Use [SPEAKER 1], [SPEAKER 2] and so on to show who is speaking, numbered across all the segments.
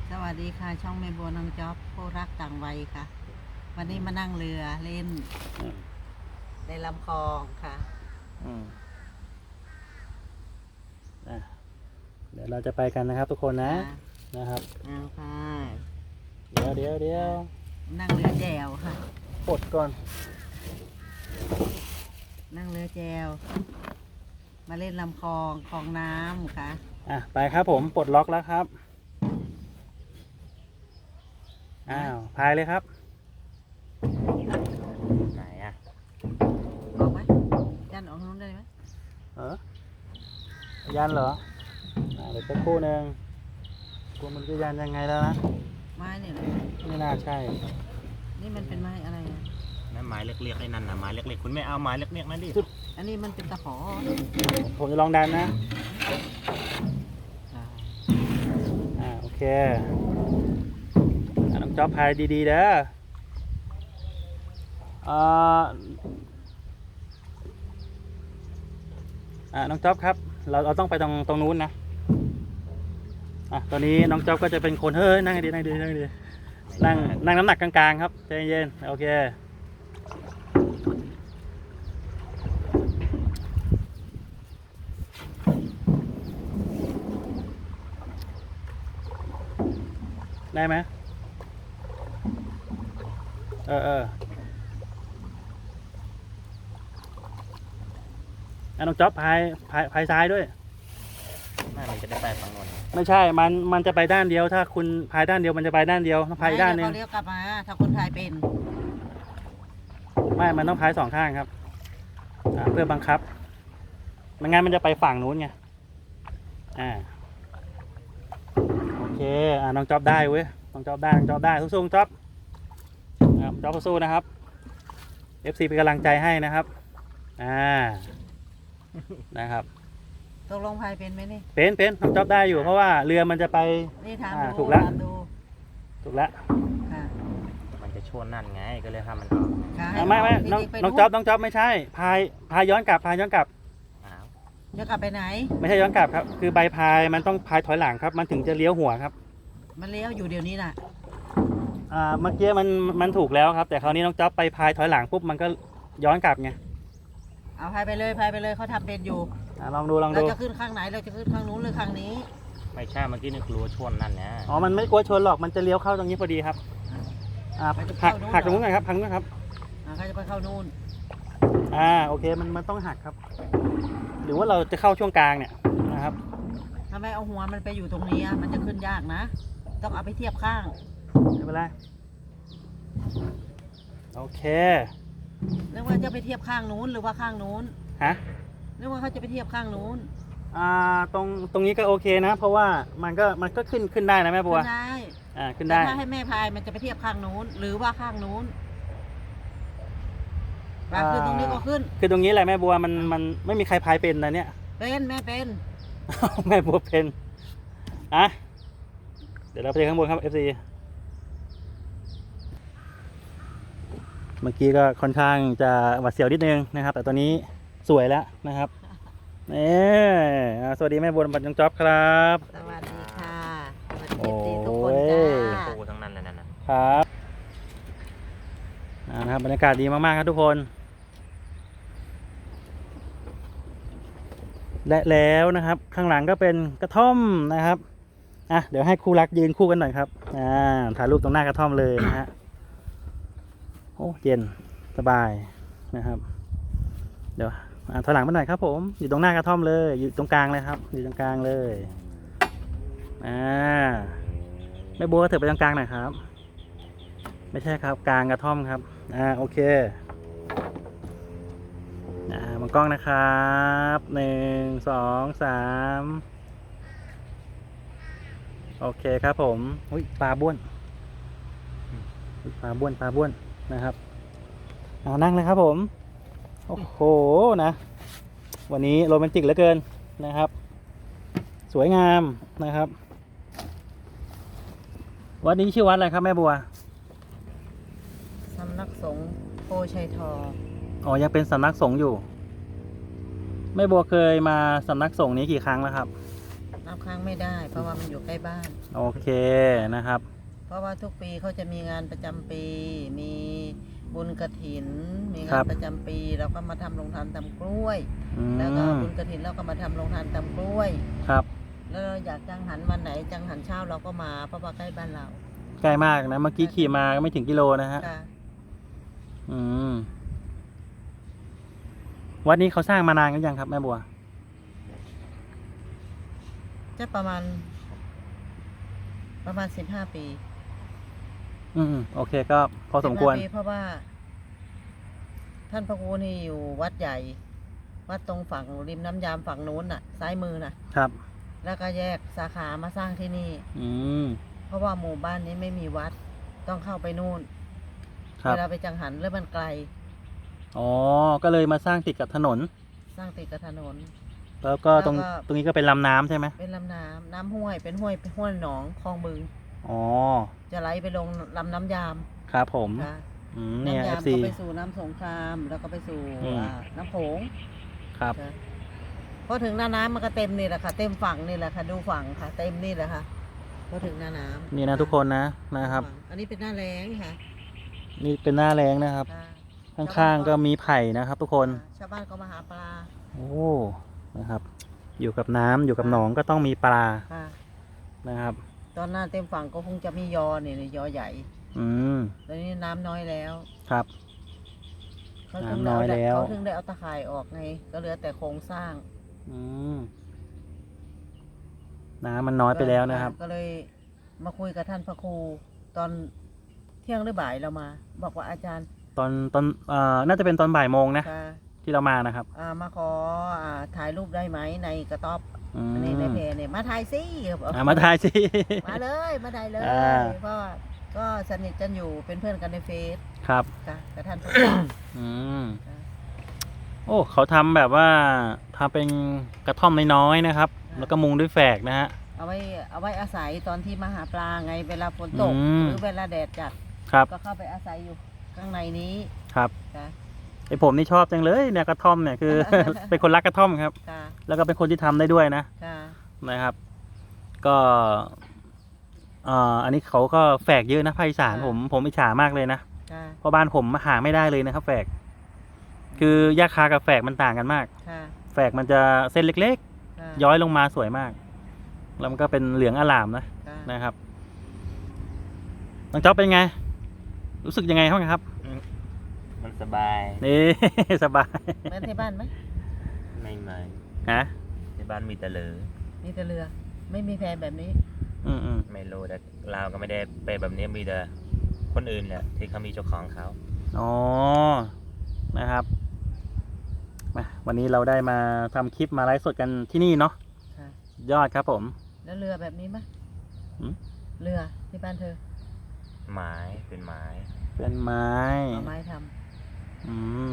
[SPEAKER 1] สวัสดีค่ะช่องแม่บัวน้องจ๊อบผู้รักต่างวัยค่ะ วันนี้มานั่งเรือเล่นในลำคลองค่ะ
[SPEAKER 2] อืมเดี๋ยวเราจะไปกันนะครับทุกคนนะนะครับ
[SPEAKER 1] เอาค่ะ
[SPEAKER 2] เดี๋ยว
[SPEAKER 1] นั่งเรือแจวค่ะ
[SPEAKER 2] ปลดก่อน
[SPEAKER 1] นั่งเรือแจวมาเล่นลำคลองคลองน้ำค่ะ
[SPEAKER 2] ไปครับผมปลดล็อกแล้วครับพายเลยครับไหน
[SPEAKER 1] ออกไหมยันออกนู้นได้ไหม
[SPEAKER 2] ยันเหรอเดี๋ยวสักครู่หนึ่งกลัวมันจะยันยังไงแล้วนะ
[SPEAKER 1] ไม้เนี่ย
[SPEAKER 2] ไม่น่าใช่
[SPEAKER 1] นี่มันเป็นไม้อะไร
[SPEAKER 3] นั่นไม้เล็กๆไอ้นั่นนะไม้เล็กๆคุณไม่เอาไม้เล็กๆนั่นดิ
[SPEAKER 1] อันนี้มันเป็นตะขอ
[SPEAKER 2] ผมจะลองดันนะโอเคน้องจ๊อบพายดีๆเด้อน้องจ๊อบครับเราต้องไปตรงนู้นนะตอนนี้น้องจ๊อบก็จะเป็นคนเฮ้ยนั่งดีนั่งน้ำหนักกลางๆครับใจเย็นโอเคได้ไหมน้องจ๊อบพายซ้ายด้วย
[SPEAKER 3] มันจะได้ไปฝั่งโน้น
[SPEAKER 2] ไม่ใช่มันจะไปด้านเดียวถ้าคุณพายด้านเดียวมันจะไปด้านเดียวต้องพายด้านนึง
[SPEAKER 1] เขาเลี้ยวกลับมาถ้าคนพายเป็น
[SPEAKER 2] มันต้องพายสองข้างครับเพื่อบังคับไม่งั้นมันจะไปฝั่งนู้นไงโอเคน้องจ๊อบได้เว้ยน้องจ๊อบได้สู้ๆจ๊อบจ๊อบสู้นะครับ FC เป็นกำลังใจให้นะครับนะครับ
[SPEAKER 1] ตกลงพายเป็นไหมนี่
[SPEAKER 2] เป็นน้องจ๊อบได้อยู่เพราะว่าเรือมันจะไป
[SPEAKER 1] นี่ถาม
[SPEAKER 2] ถูกแล้ว
[SPEAKER 3] มันจะชวนนั่นไงก็เลยทำมันออก
[SPEAKER 2] ไม่น้องจ๊อบไม่ใช่พายย้อนกลับ
[SPEAKER 1] ย้อนกลับไปไหน
[SPEAKER 2] ไม่ใช่ย้อนกลับครับคือใบพายมันต้องพายถอยหลังครับมันถึงจะเลี้ยวหัวครับ
[SPEAKER 1] มันเลี้ยวอยู่เดี๋ยวนี้น่ะ
[SPEAKER 2] เมื่อกี้มันถูกแล้วครับแต่คราวนี้น้องจ๊อบไปพายถอยหลังปุ๊บมันก็ย้อนกลับไง
[SPEAKER 1] เอาพายไปเลยเขาทำเป็นอยู่
[SPEAKER 2] ลองดู
[SPEAKER 1] เราจะขึ้นข้างไหนเราจะขึ้นข้างนู้นหรือข้างนี้
[SPEAKER 3] ไม่ใช่เมื่อกี้นึกกลัวชนนั่นนะ
[SPEAKER 2] มันไม่กลัวชนหรอกมันจะเลี้ยวเข้าตรงนี้พอดีครับหักตรงนู้นหน่อยครับพังนู้นครับ
[SPEAKER 1] เขาจะไปเข้านู้น
[SPEAKER 2] โอเคมันต้องหักครับหรือว่าเราจะเข้าช่วงกลางเนี่ยนะครับ
[SPEAKER 1] ทำไมเอาหัวมันไปอยู่ตรงนี้มันจะขึ้นยากนะต้องเอาไปเทียบข้าง
[SPEAKER 2] ไม่เป็นไรโอเค
[SPEAKER 1] เรื่องว่าจะไปเทียบข้างนู้นหรือว่าข้างนู้นเรื่องว่าเขาจะไปเทียบข้างนู้น
[SPEAKER 2] ตรงนี้ก็โอเคนะเพราะว่ามันก็ขึ้นได้นะแม่บัวขึ้นได้
[SPEAKER 1] ถ้าให้แม่พายมันจะไปเทียบข้างนู้นหรือว่าข้างนู้นขึ้นตรงนี้ก็ขึ้น
[SPEAKER 2] คือตรงนี้แหละแม่บัวมันไม่มีใครพายเป็นนะเนี่ย
[SPEAKER 1] เป็นแม่เป็น
[SPEAKER 2] แม่บัวเป็นเดี๋ยวเราไปข้างบนครับ FC เมื่อกี้ก็ค่อนข้างจะหวาดเสียวนิดนึงนะครับแต่ตอนนี้สวยแล้วนะครับสวัสดีแม่บัวบัตรยงจ๊อบครับ
[SPEAKER 1] สวัสดีค่ะสวัสดีทุกคนจ้า
[SPEAKER 3] ปูทั้งนั้นเลย
[SPEAKER 2] นะครับนะครับบรรยากาศดีมากๆครับทุกคนและแล้วนะครับข้างหลังก็เป็นกระท่อมนะครับเดี๋ยวให้คู่รักยืนคู่กันหน่อยครับถ่ายรูปตรงหน้ากระท่อมเลยนะฮะโอ้เย็นสบายนะครับเดี๋ยวถอยหลังมาหน่อยครับผมอยู่ตรงหน้ากระท่อมเลยอยู่ตรงกลางเลยครับอยู่ตรงกลางเลยแม่บัวเถิดไปตรงกลางหน่อยครับไม่ใช่ครับกลางกระท่อมครับโอเคมองกล้องนะครับ1 2 3โอเคครับผมปลาบ้วนนะครับนั่งเลยครับผมโอ้โหนะวันนี้โรแมนติกเหลือเกินนะครับสวยงามนะครับวัดนี้ชื่อวัดอะไรครับแม่บัว
[SPEAKER 1] สำนักสงฆ์โพชัยทอง
[SPEAKER 2] ยังเป็นสำนักสงฆ์อยู่แม่บัวเคยมาสำนักสงฆ์นี้กี่ครั้งแล้วครับ
[SPEAKER 1] น้ำค้างไม่ได้ เพราะว่ามันอยู่ใกล้บ้าน
[SPEAKER 2] โอเคนะครับ
[SPEAKER 1] เพราะว่าทุกปีเขาจะมีงานประจำปี มีบุญกฐิน มี
[SPEAKER 2] ครั
[SPEAKER 1] งาน
[SPEAKER 2] บ
[SPEAKER 1] ประจำปีเราก็มาทำโรงทานทำกล้วย
[SPEAKER 2] อื
[SPEAKER 1] แล้วก็
[SPEAKER 2] ม
[SPEAKER 1] บุญกฐินเราก็มาทำโรงทานทำกล้วย
[SPEAKER 2] ครับ
[SPEAKER 1] แล้วเราอยากจังหันวันไหนจังหันเช้าเราก็มาเพราะว่าใกล้บ้านเรา
[SPEAKER 2] ใกล้มากนะ เมื่อกี้ขี่มาก็ไม่ถึงกิโลนะฮะ
[SPEAKER 1] ค่ะ
[SPEAKER 2] อืม วัดนี้เขาสร้างมานานกันยังครับแม่บัว
[SPEAKER 1] จะประมาณ15 ปี
[SPEAKER 2] อืมโอเคก็พอสมควร
[SPEAKER 1] 15 ปีเพราะว่า ท่านพระครูนี่อยู่วัดใหญ่ วัดตรงฝั่งริมน้ำยามฝั่งนู้นน่ะ ซ้ายมือน่ะ
[SPEAKER 2] ครับ
[SPEAKER 1] แล้วก็แยกสาขามาสร้างที่นี่
[SPEAKER 2] อืม
[SPEAKER 1] เพราะว่าหมู่บ้านนี้ไม่มีวัด ต้องเข้าไปนู่น
[SPEAKER 2] ครับ
[SPEAKER 1] เวลาไปจังหันแล้วมันไกล
[SPEAKER 2] อ๋อ ก็เลยมาสร้างติดกับถนน
[SPEAKER 1] สร้างติดกับถนน
[SPEAKER 2] แล้วก็ตรง
[SPEAKER 1] แล้วก็
[SPEAKER 2] ตรงนี้ก็เป็นลำน้ำใช่ไหม
[SPEAKER 1] เป็นลำน้ำน้ำห้วย เป็นห้วยหนองคลองบึง
[SPEAKER 2] อ๋อ
[SPEAKER 1] จะไหลไปลงลำน้ำยาม
[SPEAKER 2] ครับผม
[SPEAKER 1] ค่ะ
[SPEAKER 2] อืมเนี่ย
[SPEAKER 1] น้ำยาม
[SPEAKER 2] FC
[SPEAKER 1] ก็ไปสู่น้ำสงคราม แล้วก็ไปสู่
[SPEAKER 2] อืม
[SPEAKER 1] น้ำโขง
[SPEAKER 2] ครับ
[SPEAKER 1] ค่ะพอถึงหน้าน้ำมันก็เต็มนี่แหละค่ะ เต็มฝั่งนี่แหละค่ะ ดูฝั่งค่ะ เต็มนี่แหละค่ะพอถึงหน้าน้ำ
[SPEAKER 2] นี่นะทุกคนนะครับ
[SPEAKER 1] อันนี้เป็นหน้าแล้งค่ะ
[SPEAKER 2] นี่เป็นหน้าแรงนะครับ
[SPEAKER 1] ค่ะ
[SPEAKER 2] ข้างๆก็มีไผ่นะครับ ทุกคน
[SPEAKER 1] ชาวบ้านก็มาหาปลา
[SPEAKER 2] โอ้ นะครับ อยู่กับน้ำอยู่กับหนองก็ต้องมีปลา
[SPEAKER 1] ค่ะ
[SPEAKER 2] นะครับ
[SPEAKER 1] ตอนหน้าเต็มฝั่งก็คงจะมียอเนี่ยยอใหญ่
[SPEAKER 2] อืม
[SPEAKER 1] ตอนนี้น้ำน้อยแล้ว
[SPEAKER 2] ครับ
[SPEAKER 1] เขาถึง
[SPEAKER 2] น้ำน้อยแล้ว
[SPEAKER 1] เขาถึงได้เอาตะข่ายออกไง ก็เหลือแต่โครงสร้าง
[SPEAKER 2] อืม น้ำมันน้อยไปแล้วนะครับ
[SPEAKER 1] ก็เลยมาคุยกับท่านพระครูตอนเที่ยงหรือบ่ายเรามา บอกว่าอาจารย์
[SPEAKER 2] ตอนน่าจะเป็นตอนบ่ายโมงนะ
[SPEAKER 1] ค่ะ
[SPEAKER 2] ที่เรามานะครับ
[SPEAKER 1] มาขอถ่ายรูปได้ไหมในกระต๊อบ
[SPEAKER 2] อืม
[SPEAKER 1] ในเพจเนี่ยมาถ่ายสิบอก
[SPEAKER 2] มาถ่ายสิ
[SPEAKER 1] มาเลยมาถ่ายเลย
[SPEAKER 2] อ่า
[SPEAKER 1] เพราะว่าก็สนิทกันอยู่เป็นเพื่อนกันในเฟซ
[SPEAKER 2] ครับ
[SPEAKER 1] ค่ะกับท่านพระครู
[SPEAKER 2] อืม
[SPEAKER 1] ค่ะ
[SPEAKER 2] โอ้ เขาทำแบบว่าทำเป็นกระท่อมน้อยๆนะครับ แล้วก็มุงด้วยแฝกนะฮะ
[SPEAKER 1] เอาไว้อาศัยตอนที่มาหาปลาไงเวลาฝนตก
[SPEAKER 2] อืม
[SPEAKER 1] หรือเวลาแดดจัด
[SPEAKER 2] ครับ
[SPEAKER 1] ก็เข้าไปอาศัยอยู่ข้างในนี้
[SPEAKER 2] ครับ
[SPEAKER 1] ค่ะ
[SPEAKER 2] ไอผมนี่ชอบจังเลยเนี่ยกระท่อมเนี่ยคือ เป็นคนรักกระท่อมครับ
[SPEAKER 1] ค่ะ
[SPEAKER 2] แล้วก็เป็นคนที่ทำได้ด้วยนะ
[SPEAKER 1] ค่ะ
[SPEAKER 2] นะครับ ก็อันนี้เขาก็แฝกเยอะนะภาคอีสานผมอิจฉามากเลยนะ
[SPEAKER 1] ค่ะ
[SPEAKER 2] เพราะบ้านผมหาไม่ได้เลยนะครับ แฝก คือยาคากับแฝกมันต่างกันมาก
[SPEAKER 1] ค่ะ
[SPEAKER 2] แฝกมันจะเส้นเล็ก
[SPEAKER 1] ค่ะ
[SPEAKER 2] ๆ ย้อยลงมาสวยมาก แล้วมันก็เป็นเหลืองอลามนะ
[SPEAKER 1] ค่ะ
[SPEAKER 2] นะครับน้องจ๊อบเป็นไง รู้สึกยังไงบ้างครับ
[SPEAKER 3] มันสบาย
[SPEAKER 2] นี่ สบาย
[SPEAKER 1] เหมือนที่บ้านไหม
[SPEAKER 3] ไม่เหมือน
[SPEAKER 2] ฮะ
[SPEAKER 3] ที่บ้านมีแต่เหลือ
[SPEAKER 1] มีแต่เรือ ไม่มีแพแบบนี้
[SPEAKER 2] อืม
[SPEAKER 3] ไม่รู้แต่เราก็ไม่ได้ไปแบบนี้มีแต่คนอื่นแหละที่เขามีเจ้าของเขา
[SPEAKER 2] อ๋อ นะครับมาวันนี้เราได้มาทำคลิปมาไลฟ์สดกันที่นี่เนาะ
[SPEAKER 1] ค่ะ
[SPEAKER 2] ยอดครับผม
[SPEAKER 1] แล้วเรือแบบนี้ไหม
[SPEAKER 2] หืม
[SPEAKER 1] เรือที่บ้านเธอ
[SPEAKER 3] ไม้เป็นไม้
[SPEAKER 2] เป็นไม้
[SPEAKER 1] เอาไม้ทำ
[SPEAKER 2] อืม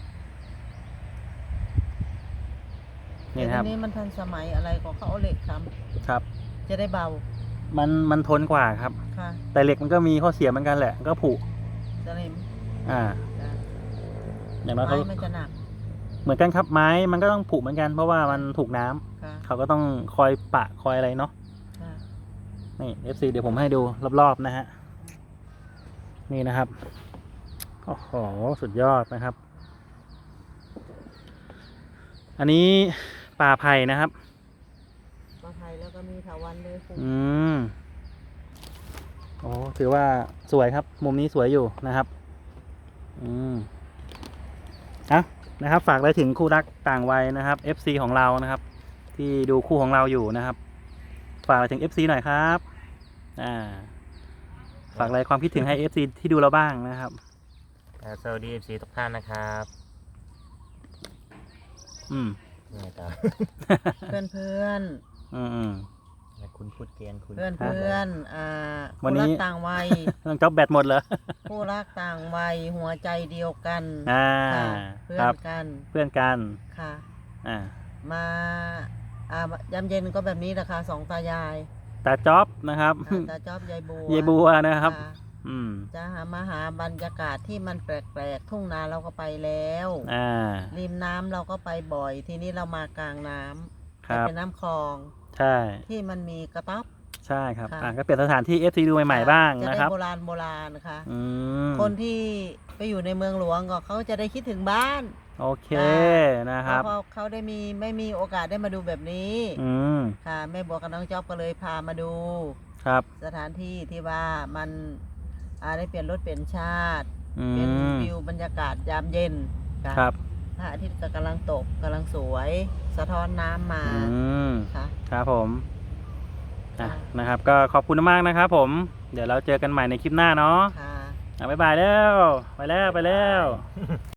[SPEAKER 1] แต่
[SPEAKER 2] นี่นะครับ
[SPEAKER 1] ทีนี้มันทันสมัยอะไรก็เขาเอาเหล็กท
[SPEAKER 2] ครับ
[SPEAKER 1] ำจะได้เบา
[SPEAKER 2] มันทนกว่าครับ
[SPEAKER 1] ค่ะ
[SPEAKER 2] แต่เหล็กมันก็มีข้อเสียเหมือนกันแหละมันก็ผุ
[SPEAKER 1] สนิม
[SPEAKER 2] อ่า
[SPEAKER 1] ค่ะ
[SPEAKER 2] อย่างน้อย
[SPEAKER 1] ไม้
[SPEAKER 2] เขา
[SPEAKER 1] มันจะหนัก
[SPEAKER 2] เหมือนกันครับไม้มันก็ต้องผุเหมือนกันเพราะว่ามันถูกน้ำ
[SPEAKER 1] ค่ะ
[SPEAKER 2] เขาก็ต้องคอยปะคอยอะไรเนาะ
[SPEAKER 1] ค่ะ
[SPEAKER 2] นี่ FC เดี๋ยวผมให้ดูรอบๆนะฮะ นี่นะครับ โอ้โห สุดยอดนะครับ อันนี้ป่าไผ่นะครับ
[SPEAKER 1] ปลาไทยแล้วก็มีถาวันเลยฟู
[SPEAKER 2] อืม โอ้ถือว่าสวยครับ มุมนี้สวยอยู่นะครับ อืมอ่ะนะครับ ฝากอะไรถึงคู่รักต่างวัยนะครับ FC ของเรานะครับ ที่ดูคู่ของเราอยู่นะครับ ฝากอะไรถึง FC หน่อยครับ ฝากอะไรความคิดถึงให้ FC ที่ดูเราบ้างนะครับ
[SPEAKER 3] สวัสดี FC ทุกท่านนะครับ
[SPEAKER 2] อืม
[SPEAKER 3] นี่ต่อ
[SPEAKER 1] เพื่อนเพื่อน
[SPEAKER 2] อืมอืม
[SPEAKER 3] แล้วคุณพูดเกรียนคุณ
[SPEAKER 1] เพื่อนเพื่อน
[SPEAKER 2] วันนี้
[SPEAKER 1] คู่รักต่างวัย
[SPEAKER 2] น้องจ๊อบแบตหมดเหรอ
[SPEAKER 1] คู่รักต่างวัยหัวใจเดียวกัน
[SPEAKER 2] อ่า
[SPEAKER 1] ค่ะเพื่อ
[SPEAKER 2] ครั
[SPEAKER 1] น
[SPEAKER 2] บ
[SPEAKER 1] กัน
[SPEAKER 2] เพื่อนกัน
[SPEAKER 1] ค่ะ
[SPEAKER 2] อ่า
[SPEAKER 1] มายามเย็นก็แบบนี้แหละค่ะสองตายาย
[SPEAKER 2] ตาจ๊อบนะครับ
[SPEAKER 1] ตาจอบยายบัว
[SPEAKER 2] เยบัวนะครับ
[SPEAKER 1] ค่ะ
[SPEAKER 2] อืม
[SPEAKER 1] จะมาหาบรรยากาศที่มันแปลกๆทุ่งนาเราก็ไปแล้ว
[SPEAKER 2] อ่า
[SPEAKER 1] ริมน้ำเราก็ไปบ่อย ทีนี้เรามากลางน้ำ
[SPEAKER 2] ครับ
[SPEAKER 1] เป็นน้ำคลอง
[SPEAKER 2] ใช่
[SPEAKER 1] ที่มันมีกระต๊อบ
[SPEAKER 2] ใช่ครับ
[SPEAKER 1] ค่ะ
[SPEAKER 2] ก็เปลี่ยนสถานที่ FC ดูใหม่ๆบ้าง
[SPEAKER 1] จะ
[SPEAKER 2] นะ
[SPEAKER 1] ได้
[SPEAKER 2] ครับ
[SPEAKER 1] โบราณค่ะ
[SPEAKER 2] อืม
[SPEAKER 1] คนที่ไปอยู่ในเมืองหลวงก็เขาจะได้คิดถึงบ้าน
[SPEAKER 2] โอเค
[SPEAKER 1] ค่ะ
[SPEAKER 2] นะครับ
[SPEAKER 1] เพราะเขาได้ไม่มีโอกาสได้มาดูแบบนี้
[SPEAKER 2] อืม
[SPEAKER 1] ค่ะแม่บัวกับน้องจ๊อบก็เลยพามาดู
[SPEAKER 2] ครับ
[SPEAKER 1] สถานที่ที่ว่ามันได้เปลี่ยนรถเปลี่ยนชาติ
[SPEAKER 2] อื
[SPEAKER 1] เป็น
[SPEAKER 2] ม
[SPEAKER 1] วิวบรรยากาศยามเย็นค่ะ
[SPEAKER 2] ครับ
[SPEAKER 1] พระอาทิตย์ก็กำลังตกกำลังสวย สะท้อนน้ำมา
[SPEAKER 2] อืม
[SPEAKER 1] ค่ะ
[SPEAKER 2] ครับผมอ่ะ
[SPEAKER 1] ค่ะ
[SPEAKER 2] นะครับ ก็ขอบคุณมากนะครับผม เดี๋ยวเราเจอกันใหม่ในคลิปหน้าเนาะ
[SPEAKER 1] ค่ะ
[SPEAKER 2] บ๊ายบายแล้ว ไปแล้ว